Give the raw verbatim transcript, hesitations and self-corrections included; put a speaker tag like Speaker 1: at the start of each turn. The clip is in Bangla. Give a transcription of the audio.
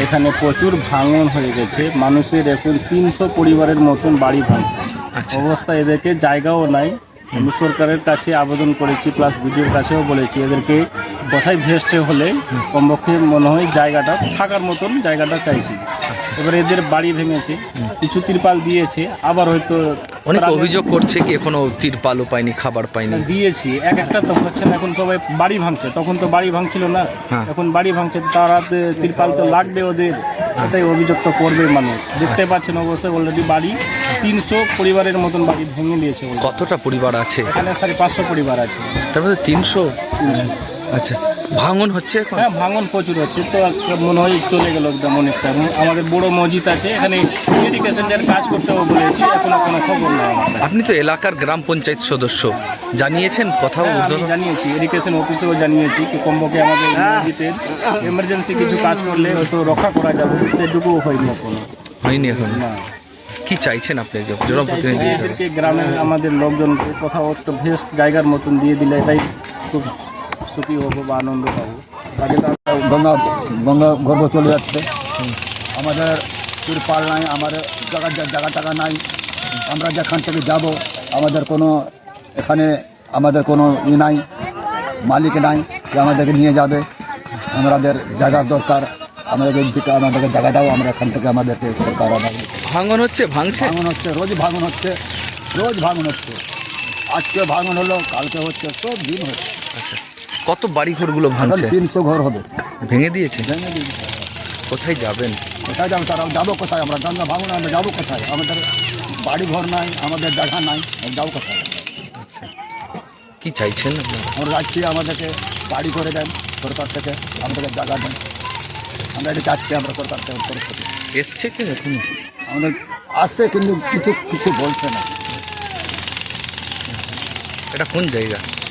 Speaker 1: এখানে প্রচুর ভাঙন হয়ে গেছে, মানুষের এখন তিনশো পরিবারের মতন বাড়ি ভাঙছে। অবস্থা, এদেরকে জায়গাও নাই। আমি সরকারের কাছে আবেদন করেছি, প্লাস বিডিওর কাছেও বলেছি, এদেরকে কোথায় ভেস্টে হলে কমপক্ষে মনে হয় জায়গাটা থাকার মতন জায়গাটা চাইছি। এবারে এদের বাড়ি ভেঙেছে, কিছু তিরপাল দিয়েছে, আবার হয়তো
Speaker 2: অনেক অভিযোগ করছে কি এখনো তিরপালও পায়নি, খাবার পায়নি।
Speaker 1: দিয়েছি, এক একটা তো হচ্ছে না। এখন সবাই বাড়ি ভাঙছে, তখন তো বাড়ি ভাঙছিল না, এখন বাড়ি ভাঙছে, তারা তিরপাল তো লাগবে ওদের, এটাই অভিযোগ তো করবে মানুষ। দেখতে পাচ্ছেন অবশ্যই অলরেডি বাড়ি তিনশো পরিবারের মতন বাড়ি ভেঙে নিয়েছে।
Speaker 2: কতটা পরিবার আছে
Speaker 1: এখানে সাড়ে পাঁচশো পরিবার আছে।
Speaker 2: তার মধ্যে তিনশো। আচ্ছা, ভাঙন হচ্ছে এখন?
Speaker 1: হ্যাঁ, ভাঙন প্রচুর হচ্ছে, তো একটা মনে হয় চলে গেল একদম অনেকটা। আমাদের বড় মসজিদ আছে এখানে, এডুকেশন যার কাজ করতেও বলেছি, এখনো কোনো খবর নেই।
Speaker 2: আপনি তো এলাকার গ্রাম পঞ্চায়েত সদস্য, জানিয়েছেন কোথাও?
Speaker 1: জানিয়েছি, এডুকেশন অফিসেও জানিয়েছি কি কমপক্ষে আমাদের মসজিদের এমার্জেন্সি কিছু কাজ করলে হয়তো রক্ষা করা যাবে, সেটুকুও হয়নি এখনো।
Speaker 2: হয়নি এখন?
Speaker 1: না।
Speaker 2: কি চাইছেন আপনি জনপ্রতিনিধি হিসেবে?
Speaker 1: এদেরকে গ্রামের আমাদের লোকজনকে কোথাও একটা ভেস্ট জায়গার মতন দিয়ে দিলে এটাই খুব সুখী হবো বা আনন্দ পাবো।
Speaker 3: গঙ্গা গঙ্গা গর্ভ চলে যাচ্ছে, আমাদের তিরপাল নাই, আমাদের জায়গা জায়গা টাকা নাই। আমরা যেখান থেকে যাব আমাদের কোনো এখানে আমাদের কোনো ই নাই, মালিক নাই যে আমাদেরকে নিয়ে যাবে। আমাদের জায়গার দরকার, আমাদেরকে আমাদেরকে জায়গাটাও আমরা এখান থেকে আমাদেরকে সরকার আমাদের
Speaker 2: ভাঙন হচ্ছে, ভাঙছে
Speaker 3: ভাঙন হচ্ছে, রোজ ভাঙন হচ্ছে, রোজ ভাঙন হচ্ছে। আজকে ভাঙন হলো, কালকে হচ্ছে, সব দিন হচ্ছে।
Speaker 2: আচ্ছা, কত বাড়ি ঘরগুলো ভাঙছে?
Speaker 3: তিনশো ঘর হবে
Speaker 2: ভেঙে দিয়েছে।
Speaker 3: ভেঙে দিয়েছে।
Speaker 2: কোথায় যাবেন?
Speaker 3: কোথায় যাবো তারা? যাবো কোথায়? আমরা গঙ্গা ভাঙন, আমরা যাবো কোথায়? আমাদের বাড়ি ঘর নাই, আমাদের জায়গা নাই, যাবো কোথায়?
Speaker 2: আচ্ছা, কি চাইছেন আপনারা?
Speaker 3: আমরা যাচ্ছি, আমাদেরকে বাড়ি করে দেন সরকার থেকে, আমাদেরকে জায়গা দেন। আমরা এটা চাচ্ছি, আমরা সরকার থেকে তরফ থেকে।
Speaker 2: এসছে কি এখন?
Speaker 3: আমাদের আসছে কিন্তু কিছু কিছু বলছে না।
Speaker 2: এটা কোন জায়গা?